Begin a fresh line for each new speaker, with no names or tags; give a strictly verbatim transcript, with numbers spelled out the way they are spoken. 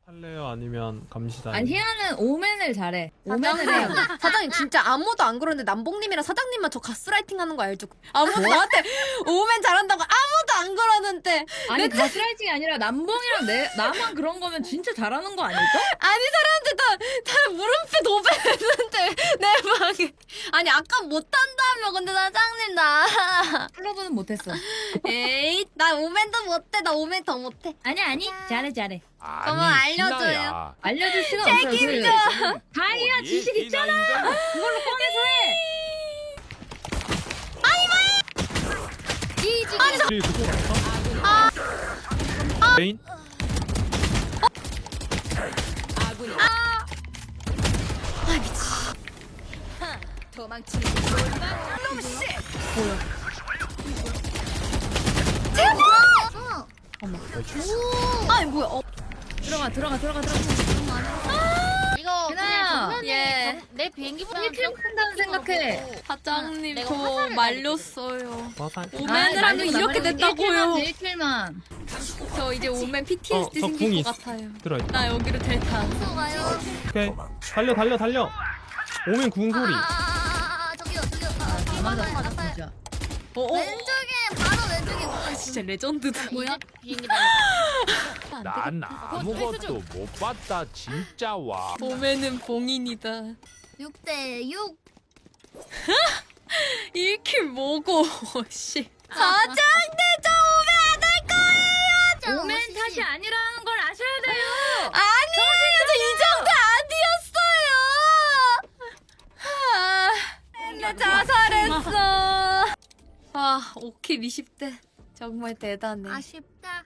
할래요? 아니면 감시단?
아니 희아는 오맨을 잘해. 오맨을 해요.
사장님 진짜 아무도 안 그러는데 남봉님이랑 사장님만 저 가스라이팅 하는 거 알죠? 아무도 저한테 오면 잘한다고 아무도 안 그러는데.
아니 가스라이팅이 아니라 남봉이랑 내 나만 그런 거면 진짜 잘하는 거 아닐까?
아니 사람들 다, 다 물음표 도배했는데 내 방에. 아니 아까 못한다며. 근데 사장님 나
클로브는 못했어.
에이 나 오멘도 못해. 나 오멘 더 못해.
아니 아니 잘해 잘해.
그러면 알려줘요.
알려줄 시간 없어요.
책임져.
그 다이아 지식 있잖아. 그걸로 꺼내서 해.
이지.
우리 그쪽 갈까? 메인?
아 미치.
도망치는
아니 뭐야? 어.
들어가 들어가 들어가 들어가.
이거
유나야.
그냥
예.
정면에 내 비행기보다
일 킬 한다는 생각해.
사장님
내가
저
화살을
말렸어요.
화살?
오맨을 하면 이렇게 됐다고요.
일 킬만.
저 이제 오맨 피티에스디
어, 저
생길
궁이
것 같아요.
들어있다.
나 여기로 델타.
가요.
오케이. 달려 달려 달려. 오면 궁소리.
아, 저기요, 저기요. 아,
다 맞았어
맞았어요.
진짜.
어, 어.
왼쪽에 바로 왼쪽에
아, 진짜 레전드다.
뭐야? 비행기 날려.
난 아무것도 못 봤다 진짜 와.
오맨은 봉인이다.
육 대 육.
일 킬 뭐고 씨. 사장님 저 오면 안 될 거예요.
오맨 탓이 아니라는 걸 아셔야 돼요.
아니에요. 저 이 정도 아니었어요. 아, 나 자살했어. 아, 오 킬 이십 대. 정말 대단해.
아쉽다.